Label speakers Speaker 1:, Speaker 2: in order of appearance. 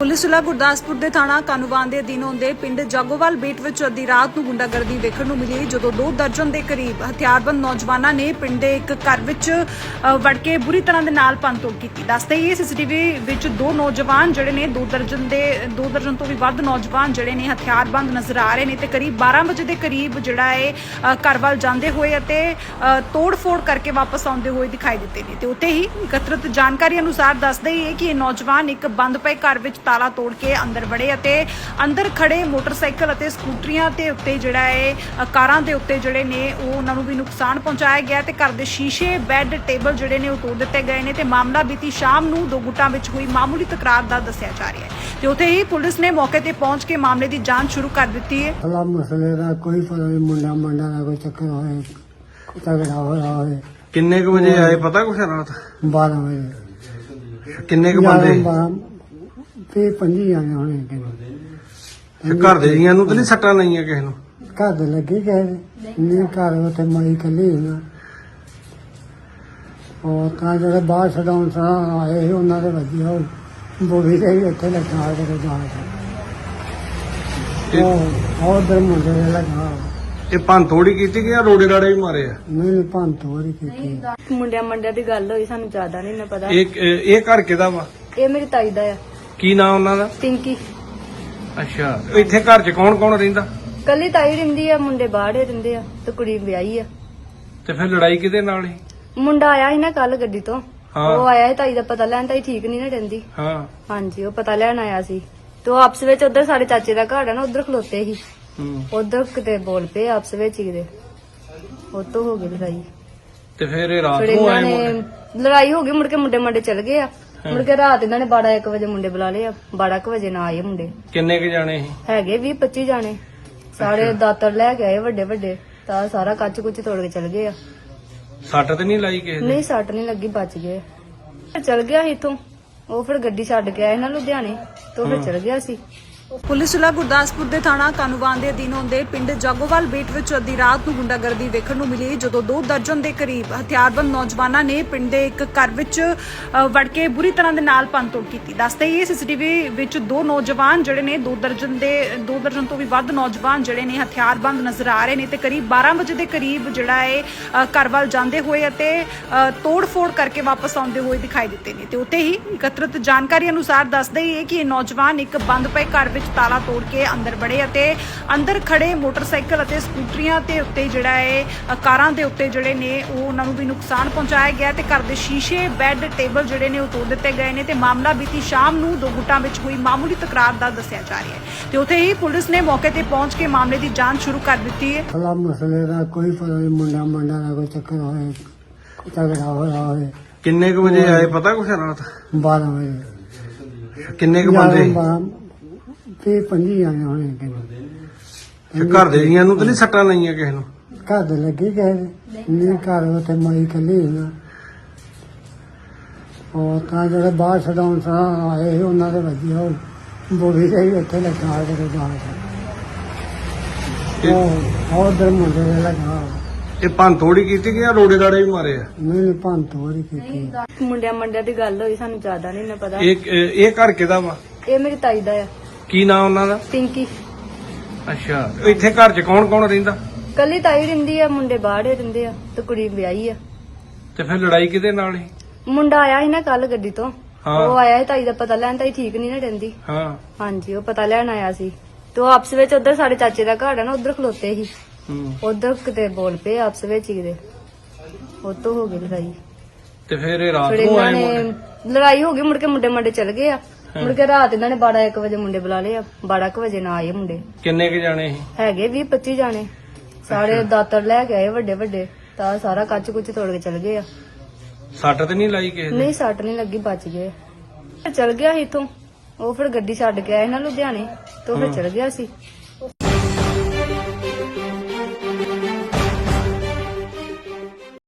Speaker 1: Police ਜ਼ਿਲ੍ਹਾ ਗੁਰਦਾਸਪੁਰ ਦੇ ਥਾਣਾ ਕਾਨੂੰਵਾਨ ਦੇ ਅਧੀਨ ਆਉਂਦੇ ਪਿੰਡ ਜਾਗੋਵਾਲ ਬੇਟ ਵਿੱਚ ਅੱਧੀ ਰਾਤ ਨੂੰ ਗੁੰਡਾਗਰਦੀ ਵੇਖਣ ਨੂੰ ਮਿਲੀ, ਜਦੋਂ 2 ਦਰਜਨ ਦੇ ਕਰੀਬ ਹਥਿਆਰਬੰਦ ਨੌਜਵਾਨਾਂ ਨੇ ਪਿੰਡ ਦੇ ਇੱਕ ਘਰ ਵਿੱਚ ਵੜ ਕੇ ਬੁਰੀ ਤਰ੍ਹਾਂ ਦੇ ਨਾਲ ਭੰਨਤੋੜ ਕੀਤੀ। ਦੱਸਦੇ ਹੀ ਸੀਸੀਟੀਵੀ ਵਿੱਚ 2 ਨੌਜਵਾਨ ਜਿਹੜੇ ਨੇ 2 ਦਰਜਨ ਤੋਂ ਵੀ ਵੱਧ ਨੌਜਵਾਨ ਜਿਹੜੇ ਨੇ ਹਥਿਆਰਬੰਦ ਨਜ਼ਰ ਆ ਰਹੇ ਨੇ ਤੇ ਕਰੀਬ 12 ਵਜੇ ਦੇ ਕਰੀਬ ਜਿਹੜਾ ਹੈ ਘਰ ਵੱਲ ਜਾਂਦੇ ਹੋਏ ਅਤੇ ਤੋੜ-ਫੋੜ ਕਰਕੇ ਵਾਪਸ ਆਉਂਦੇ ਹੋਏ ਦਿਖਾਈ ਦਿੱਤੇ ਨੇ। ਤੇ ਉੱਥੇ ਹੀ ਇਕੱਤਰਤ ਜਾਣਕਾਰੀ ਅਨੁਸਾਰ ਦੱਸਦੇ ਹੀ ਹੈ ਕਿ ਇਹ ਨੌਜਵਾਨ ਇੱਕ ਬੰਦ ਪਏ ਘਰ ਵਿੱਚ ਤਾਲਾ ਤੋੜ ਕੇ ਅੰਦਰ ਵੜੇ ਅਤੇ ਅੰਦਰ ਖੜੇ ਮੋਟਰਸਾਈਕਲ ਅਤੇ ਸਕੂਟਰੀਆਂ ਤੇ ਉੱਤੇ ਜਿਹੜਾ ਹੈ ਕਾਰਾਂ ਦੇ ਉੱਤੇ ਜਿਹੜੇ ਨੇ ਉਹ ਉਹਨਾਂ ਨੂੰ ਵੀ ਨੁਕਸਾਨ ਪਹੁੰਚਾਇਆ ਗਿਆ ਤੇ ਘਰ ਦੇ ਸ਼ੀਸ਼ੇ, ਬੈੱਡ, ਟੇਬਲ ਜਿਹੜੇ ਨੇ ਉਹ ਤੋੜ ਦਿੱਤੇ ਗਏ ਨੇ ਤੇ ਮਾਮਲਾ ਬੀਤੀ ਸ਼ਾਮ ਨੂੰ 2 ਗੁੱਟਾਂ ਵਿੱਚ ਹੋਈ ਮਾਮੂਲੀ ਤਕਰਾਰ ਦਾ ਦੱਸਿਆ ਜਾ ਰਿਹਾ ਹੈ। ਤੇ ਉੱਥੇ ਹੀ ਪੁਲਿਸ ਨੇ ਮੌਕੇ ਤੇ ਪਹੁੰਚ ਕੇ ਮਾਮਲੇ ਦੀ ਜਾਂਚ ਸ਼ੁਰੂ ਕਰ ਦਿੱਤੀ ਹੈ।
Speaker 2: ਅਲਾ ਮਸਲੇ ਦਾ ਕੋਈ ਪਤਾ ਨਹੀਂ, ਮੁੰਡਾ ਦਾ ਕੋਈ ਚੱਕਰ ਹੋਏ, ਤਗੜਾ ਹੋਇਆ ਹੋਵੇ।
Speaker 3: ਕਿੰਨੇ ਕੁ ਵਜੇ ਆਏ ਪਤਾ ਕੁਛ ਰਾਤ?
Speaker 2: 12 ਵਜੇ।
Speaker 3: ਕਿੰਨੇ ਕੁ ਬੰਦੇ?
Speaker 2: 25 ਜਾਣੇ ਹੋਣੇ ਕਿੰਨੇ।
Speaker 3: ਘਰ ਦੇ ਜੀਆਂ ਨੂੰ ਤਾਂ ਨਹੀਂ ਸੱਟਾਂ ਲਾਈਆਂ ਕਿਸੇ ਨੂੰ?
Speaker 2: ਘਰ ਦੇ ਲੱਗੇ ਗਏ ਨਹੀਂ, ਘਰ ਉੱਥੇ ਮਾਈ ਕੱਲੀ ਨਾ ਉਹ ਤਾਂ ਜਿਹੜੇ ਬਾਹਰ ਛਡਾਉਣ ਆਏ ਸੀ ਉਹਨਾਂ ਦੇ ਵੱਜੀ ਉਹ ਬੋਲੀ ਦੇ ਵੀ ਉੱਥੇ ਲੱਗਾ ਕੇ ਜਾਣ ਉਹ ਉਧਰ ਮੁੰਡੇ ਦੇ ਲੱਗਾ।
Speaker 3: ਇਹ ਭੰਨ ਤੋੜੀ ਕੀਤੀ ਕਿ ਰੋੜੇ ਰਾੜੇ ਵੀ ਮਾਰੇ ਆ?
Speaker 2: ਨਹੀਂ ਭੰਨ ਤੋੜੀ ਕੀਤੀ।
Speaker 4: ਮੁੰਡਿਆਂ ਦੀ ਗੱਲ ਹੋਈ, ਸਾਨੂੰ ਜ਼ਿਆਦਾ ਨਹੀਂ ਨਾ ਪਤਾ।
Speaker 3: ਇਹ ਘਰ ਕਿਹਦਾ ਵਾ?
Speaker 4: ਇਹ ਮੇਰੀ ਤਾਈ ਦਾ ਆ।
Speaker 3: ਕੀ ਨਾਂ ਉਹਨਾਂ ਦਾ?
Speaker 4: ਪਿੰਕੀ।
Speaker 3: ਅੱਛਾ, ਇੱਥੇ ਘਰ 'ਚ ਕੌਣ ਕੌਣ ਰਹਿੰਦਾ?
Speaker 4: ਕੱਲੀ ਤਾਈ ਰਹਿੰਦੀ ਆ, ਮੁੰਡੇ ਬਾਹਰੇ ਰਹਿੰਦੇ ਆ ਤੇ ਕੁੜੀ ਵਿਆਹੀ ਆ।
Speaker 3: ਤੇ ਫਿਰ ਲੜਾਈ ਕਿਹਦੇ ਨਾਲ ਸੀ?
Speaker 4: ਮੁੰਡਾ ਆਇਆ ਸੀ ਨਾ ਕੱਲ ਗੱਡੀ ਤੋਂ,
Speaker 3: ਹਾਂ।
Speaker 4: ਉਹ ਆਇਆ ਸੀ ਤਾਈ ਦਾ ਪਤਾ ਲੈਣ। ਤਾਈ ਠੀਕ ਨਹੀਂ ਨਾ ਰਹਿੰਦੀ।
Speaker 3: ਹਾਂ।
Speaker 4: ਹਾਂਜੀ, ਉਹ ਪਤਾ ਲੈਣ ਆਇਆ ਸੀ ਤੇ ਉਹ ਆਪਸ ਵਿੱਚ ਉਧਰ ਸਾਡੇ ਚਾਚੇ ਦਾ ਘਰ ਆ ਨਾ, ਉਧਰ ਖਲੋਤੇ ਸੀ। ਉਧਰ ਕਿਤੇ ਬੋਲ ਪਏ ਆਪਸ ਵਿੱਚ ਹੀ ਕਿਤੇ, ਉਹ ਤੋਂ ਹੋ ਗਈ ਲੜਾਈ।
Speaker 3: ਤੇ ਫਿਰ ਇਹ ਰਾਤ
Speaker 4: ਫਿਰ
Speaker 3: ਨੂੰ
Speaker 4: ਇਹਨਾਂ
Speaker 3: ਆਏ
Speaker 4: ਨੇ
Speaker 3: ਮੁੰਡੇ?
Speaker 4: ਲੜਾਈ ਹੋ ਗਈ, ਮੁੜ ਕੇ ਮੁੰਡੇ ਚਲ ਗਏ ਆ। ਮੁੜ ਕੇ ਰਾਤ ਇਹਨਾਂ ਨੇ 12-1 ਵਜੇ ਮੁੰਡੇ ਬੁਲਾ ਲਏ ਆ। 12 ਵਜੇ ਨਾ ਆਏ ਮੁੰਡੇ।
Speaker 3: ਕਿੰਨੇ ਕੁ ਜਾਣੇ ਸੀ?
Speaker 4: ਹੈਗੇ 20-25 ਜਾਣੇ। ਸਾਰੇ ਦਾਤਰ ਲੈ ਕੇ ਆਏ ਵੱਡੇ ਤਾਂ ਸਾਰਾ ਕੱਚ ਕੁੱਚ ਤੋੜ ਕੇ ਚਲ ਗਏ ਆ।
Speaker 3: ਸੱਟ ਤੇ ਨਹੀਂ ਲਾਈ ਕਿਸੇ ਦੇ?
Speaker 4: ਨਹੀਂ, ਸੱਟ ਨਹੀਂ ਲੱਗੀ, ਬਚ ਗਏ। ਚਲ ਗਿਆ ਸੀ ਇੱਥੋਂ, ਉਹ ਫਿਰ ਗੱਡੀ ਛੱਡ ਕੇ ਆਏ ਨਾ ਲੁਧਿਆਣੇ ਤੋਂ, ਫਿਰ ਚਲ ਗਿਆ ਸੀ।
Speaker 1: ਪੁਲਿਸ ਜ਼ਿਲ੍ਹਾ ਗੁਰਦਾਸਪੁਰ ਦੇ ਥਾਣਾ ਕਾਨੂੰਵਾਨ ਦੇ ਅਧੀਨ ਆਉਂਦੇ ਪਿੰਡ ਜਾਗੋਵਾਲ ਬੇਟ ਵਿੱਚ ਅੱਧੀ ਰਾਤ ਨੂੰ ਗੁੰਡਾਗਰਦੀ ਵੇਖਣ ਨੂੰ ਮਿਲੀ, ਜਦੋਂ 2 ਦਰਜਨ ਦੇ ਕਰੀਬ ਹਥਿਆਰਬੰਦ ਨੌਜਵਾਨਾਂ ਨੇ ਪਿੰਡ ਦੇ ਇੱਕ ਘਰ ਵਿੱਚ ਵੜ ਕੇ ਬੁਰੀ ਤਰ੍ਹਾਂ ਦੇ ਨਾਲ ਭੰਨਤੋੜ ਕੀਤੀ। ਦੱਸਦੇ ਹੀ ਸੀਸੀਟੀਵੀ ਵਿੱਚ 2 ਨੌਜਵਾਨ ਜਿਹੜੇ ਨੇ 2 ਦਰਜਨ ਤੋਂ ਵੀ ਵੱਧ ਨੌਜਵਾਨ ਜਿਹੜੇ ਨੇ ਹਥਿਆਰਬੰਦ ਨਜ਼ਰ ਆ ਰਹੇ ਨੇ ਤੇ ਕਰੀਬ 12 ਵਜੇ ਦੇ ਕਰੀਬ ਜਿਹੜਾ ਹੈ ਘਰ ਵੱਲ ਜਾਂਦੇ ਹੋਏ ਅਤੇ ਤੋੜ-ਫੋੜ ਕਰਕੇ ਵਾਪਸ ਆਉਂਦੇ ਹੋਏ ਦਿਖਾਈ ਦਿੱਤੇ ਨੇ। ਤੇ ਉੱਥੇ ਹੀ ਇਕੱਤਰਤ ਜਾਣਕਾਰੀ ਅਨੁਸਾਰ ਦੱਸਦੇ ਹੀ ਹੈ ਕਿ ਇਹ ਨੌਜਵਾਨ ਇੱਕ ਬੰਦ ਪਏ ਘਰ ਵਿੱਚ ਤਾਲਾ ਤੋੜ ਕੇ ਅੰਦਰ ਵੜੇ ਅਤੇ ਅੰਦਰ ਖੜੇ ਮੋਟਰਸਾਈਕਲ ਅਤੇ ਸਕੂਟਰੀਆਂ ਤੇ ਉੱਤੇ ਜਿਹੜਾ ਹੈ ਕਾਰਾਂ ਦੇ ਉੱਤੇ ਜਿਹੜੇ ਨੇ ਉਹ ਉਹਨਾਂ ਨੂੰ ਵੀ ਨੁਕਸਾਨ ਪਹੁੰਚਾਇਆ ਗਿਆ ਤੇ ਘਰ ਦੇ ਸ਼ੀਸ਼ੇ, ਬੈੱਡ, ਟੇਬਲ ਜਿਹੜੇ ਨੇ ਉਹ ਤੋੜ ਦਿੱਤੇ ਗਏ ਨੇ ਤੇ ਮਾਮਲਾ ਬੀਤੀ ਸ਼ਾਮ ਨੂੰ 2 ਗੁੱਟਾਂ ਵਿੱਚ ਹੋਈ ਮਾਮੂਲੀ ਤਕਰਾਰ ਦਾ ਦੱਸਿਆ ਜਾ ਰਿਹਾ ਹੈ। ਤੇ ਉੱਥੇ ਹੀ ਪੁਲਿਸ ਨੇ ਮੌਕੇ ਤੇ ਪਹੁੰਚ ਕੇ ਮਾਮਲੇ ਦੀ ਜਾਂਚ ਸ਼ੁਰੂ ਕਰ ਦਿੱਤੀ ਹੈ।
Speaker 2: ਅਲਾ ਮਸਲੇ ਦਾ ਕੋਈ ਪਤਾ ਨਹੀਂ, ਮੁੰਡਾ ਦਾ ਕੋਈ ਚੱਕਰ ਹੋਏ, ਤਗੜਾ ਹੋਇਆ ਹੋਵੇ।
Speaker 3: ਕਿੰਨੇ ਕੁ ਵਜੇ ਆਏ ਪਤਾ ਕੁਛ ਰਾਤ?
Speaker 2: 12 ਵਜੇ।
Speaker 3: ਕਿੰਨੇ ਕੁ ਬੰਦੇ?
Speaker 2: 25 ਜਾਣੇ ਹੋਣੇ ਕਿੰਨੇ।
Speaker 3: ਘਰ ਦੇ ਜੀਆਂ ਨੂੰ ਤਾਂ ਨਹੀਂ ਸੱਟਾਂ ਲਾਈਆਂ ਕਿਸੇ ਨੂੰ?
Speaker 2: ਘਰ ਦੇ ਲੱਗੇ ਗਏ ਨਹੀਂ, ਘਰ ਉੱਥੇ ਮਾਈ ਕੱਲੀ ਨਾ ਉਹ ਤਾਂ ਜਿਹੜੇ ਬਾਹਰ ਛਡਾਉਣ ਆਏ ਸੀ ਉਹਨਾਂ ਦੇ ਵੱਜੀ ਉਹ ਬੋਲੀ ਦੇ ਵੀ ਉੱਥੇ ਲੱਗਾ ਕੇ ਜਾਣ ਉਹ ਉਧਰ ਮੁੰਡੇ ਦੇ ਲੱਗਾ।
Speaker 3: ਇਹ ਭੰਨ ਤੋੜੀ ਕੀਤੀ ਕਿ ਰੋੜੇ ਰਾੜੇ ਵੀ ਮਾਰੇ ਆ?
Speaker 2: ਨਹੀਂ ਭੰਨ ਤੋੜੀ ਕੀਤੀ।
Speaker 4: ਮੁੰਡਿਆਂ ਦੀ ਗੱਲ ਹੋਈ, ਸਾਨੂੰ ਜ਼ਿਆਦਾ ਨਹੀਂ ਨਾ ਪਤਾ।
Speaker 3: ਇਹ ਘਰ ਕਿਹਦਾ ਵਾ?
Speaker 4: ਇਹ ਮੇਰੀ ਤਾਈ ਦਾ ਆ।
Speaker 3: ਕੀ ਨਾਂ ਉਹਨਾਂ ਦਾ?
Speaker 4: ਪਿੰਕੀ।
Speaker 3: ਅੱਛਾ, ਇੱਥੇ ਘਰ 'ਚ ਕੌਣ ਕੌਣ ਰਹਿੰਦਾ?
Speaker 4: ਕੱਲੀ ਤਾਈ ਰਹਿੰਦੀ ਆ, ਮੁੰਡੇ ਬਾਹਰੇ ਰਹਿੰਦੇ ਆ ਤੇ ਕੁੜੀ ਵਿਆਹੀ ਆ।
Speaker 3: ਤੇ ਫਿਰ ਲੜਾਈ ਕਿਹਦੇ ਨਾਲ ਸੀ?
Speaker 4: ਮੁੰਡਾ ਆਇਆ ਸੀ ਨਾ ਕੱਲ ਗੱਡੀ ਤੋਂ,
Speaker 3: ਹਾਂ।
Speaker 4: ਉਹ ਆਇਆ ਸੀ ਤਾਈ ਦਾ ਪਤਾ ਲੈਣ। ਤਾਈ ਠੀਕ ਨਹੀਂ ਨਾ ਰਹਿੰਦੀ।
Speaker 3: ਹਾਂ।
Speaker 4: ਹਾਂਜੀ, ਉਹ ਪਤਾ ਲੈਣ ਆਇਆ ਸੀ ਤੇ ਉਹ ਆਪਸ ਵਿੱਚ ਉਧਰ ਸਾਡੇ ਚਾਚੇ ਦਾ ਘਰ ਆ ਨਾ, ਉਧਰ ਖਲੋਤੇ ਸੀ। ਉਧਰ ਕਿਤੇ ਬੋਲ ਪਏ ਆਪਸ ਵਿੱਚ ਹੀ ਕਿਤੇ, ਉਹ ਤੋਂ ਹੋ ਗਈ ਲੜਾਈ।
Speaker 3: ਤੇ ਫਿਰ ਇਹ ਰਾਤ
Speaker 4: ਫਿਰ
Speaker 3: ਨੂੰ
Speaker 4: ਇਹਨਾਂ
Speaker 3: ਆਏ
Speaker 4: ਨੇ
Speaker 3: ਮੁੰਡੇ?
Speaker 4: ਲੜਾਈ ਹੋ ਗਈ, ਮੁੜ ਕੇ ਮੁੰਡੇ ਚਲ ਗਏ ਆ। ਮੁੜ ਕੇ ਰਾਤ ਇਹਨਾਂ ਨੇ 12-1 ਵਜੇ ਮੁੰਡੇ ਬੁਲਾ ਲਏ ਆ। 12 ਵਜੇ ਨਾ ਆਏ ਮੁੰਡੇ।
Speaker 3: ਕਿੰਨੇ ਕੁ ਜਾਣੇ ਸੀ?
Speaker 4: ਹੈਗੇ 20-25 ਜਾਣੇ। ਸਾਰੇ ਦਾਤਰ ਲੈ ਕੇ ਆਏ ਵੱਡੇ ਤਾਂ ਸਾਰਾ ਕੱਚ ਕੁੱਚ ਤੋੜ ਕੇ ਚਲ ਗਏ ਆ।
Speaker 3: ਸੱਟ ਤੇ ਨਹੀਂ ਲਾਈ ਕਿਸੇ ਦੇ?
Speaker 4: ਨਹੀਂ, ਸੱਟ ਨਹੀਂ ਲੱਗੀ, ਬਚ ਗਏ। ਚਲ ਗਿਆ ਸੀ ਇੱਥੋਂ, ਉਹ ਫਿਰ ਗੱਡੀ ਛੱਡ ਕੇ ਆਏ ਨਾ ਲੁਧਿਆਣੇ ਤੋਂ, ਫਿਰ ਚਲ ਗਿਆ ਸੀ।